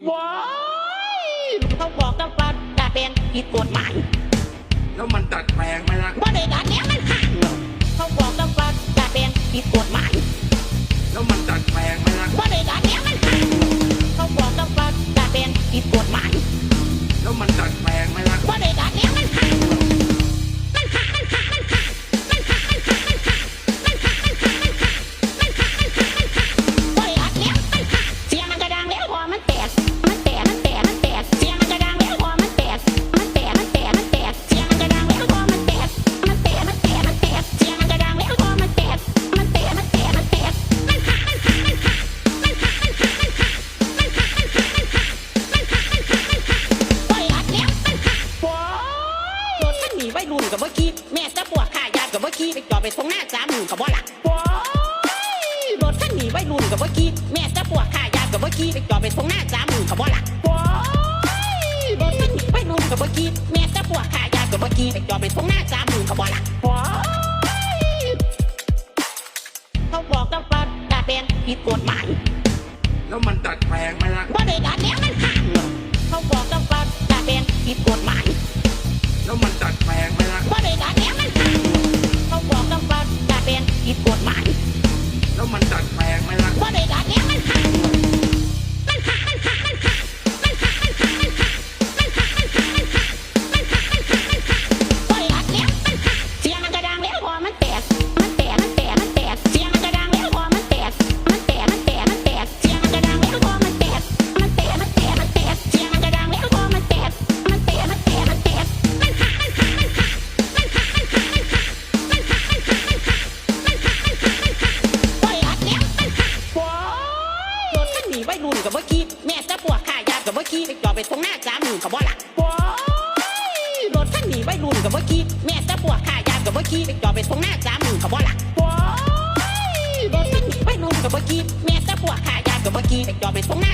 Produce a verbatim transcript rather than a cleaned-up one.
ว้ายเขาบอกกันว่าดัดแปลงผิดกฎหมายแล้วมันดัดแปลงไหมล่ะว่าได้ดัดแล้วมันห่างเขาบอกกันว่าดัดแปลงผิดกฎหมายแล้วมันดัดแปลงไหมล่ะว่าได้ดัดแล้วมันห่างเขาบอกกันว่าดัดแปลงผิดกฎหมายแล้วมันดัดแปลงไหมล่ะว่าได้ดัดแล้วมันห่างมันห่างมันห่างมันห่างมันห่างมันห่างมันห่างมันห่างมันห่างมันห่างมันห่างมันห่างมันห่างว่าได้ดัดแล้วมันห่างเสียงมันกระดังแล้วพอมันแตกมันแตกมันแตกมันแตกเสียงมันกระดังแล้วพอมันแตกมันแตกมันแตกมันแตกเสียงมันกระดังแล้วพอมันแตกมันแตกมันแตกมันแตกเสียงมันกระดังแล้วพอมันแตกมันแตกมันแตกมันแตกมันห่างมันห่างมันห่างมันห่างมันห่างมันห่างมันห่างมันห่างมันห่างมันห่างมันห่างมันห่างว่าได้ดัดแล้วมันห่างว้ายรถคันนี้วัยรุ่นกับเมื่อกี้แม่จะปวดขายากับเมื่อกี้ไปจอดไปตรงหน้าจ้ามือกับบ่หลักว้ายรถคันนี้วัยรุ่นกับเมื่อกี้แม่จะปวดขายากับเมื่อกี้ไปจอดไปตรงหน้าจ้ามือกับบ่หลักว้ายรถคันนี้วัยรุ่นกับเมื่อกี้แม่จะปวดขายากับเมื่อกี้ไปจอดไปตรงหน้าจ้ามือกับบ่หลักว้ายเขาบอกกันว่าดัดแปลงผิดกฎหมายแล้วมันดัดแปลงไหมล่ะว่าได้ดัดแล้วมันห่างเขาบอกกันว่าดัดแปลงผิดกฎหมายแล้วมันดัดแปลงไหมล่ะว่าได้ดัดแล้วมันห่างเขาบอกกันว่าดัดแปลงผิดกฎหมายแล้วมันดัดแปลงไหมล่ะว่าได้ดัดแล้วมันห่างมันห่างมันห่างมันห่างมันห่างมันห่างมันห่างมันห่างมันห่างมันห่างมันห่างมันห่างมันห่างว่าได้ดัดแล้วมันห่างเสียงมันกระดังแล้วพอมันแตกมันแตกมันแตกมันแตกเสียงมันกระดังแล้วพอมันแตกมันแตกมันแตกมันแตกเสียงมันกระดังแล้วพอมันแตกมันแตกมันแตกมันแตกเสียงมันกระดังแล้วพอมันแตกมันแตกมันแตกมันแตกมันห่างมันห่างมันห่างมันห่างมันห่างมันห่างมันห่างมันห่างมันห่างมันห่างมันห่างมันห่างว่าได้ดัดแล้วมันห่างว้ายรถคันนี้วัยรุ่นกับเมื่อกี้แม่จะปวดขายากับเมื่อกี้ไปจอดไปตรงหน้าจ้ามือกับบ่หลักว้ายรถคันนี้วัยรุ่นกับเมื่อกี้แม่จะปวดขายากับเมื่อกี้ไปจอดไปตรงหน้าจ้ามือกับบ่หลักว้ายรถคันนี้วัยรุ่นกับเมื่อกี้แม่จะปวดขายากับเมื่อกี้ไปจอดไปตรงหน้า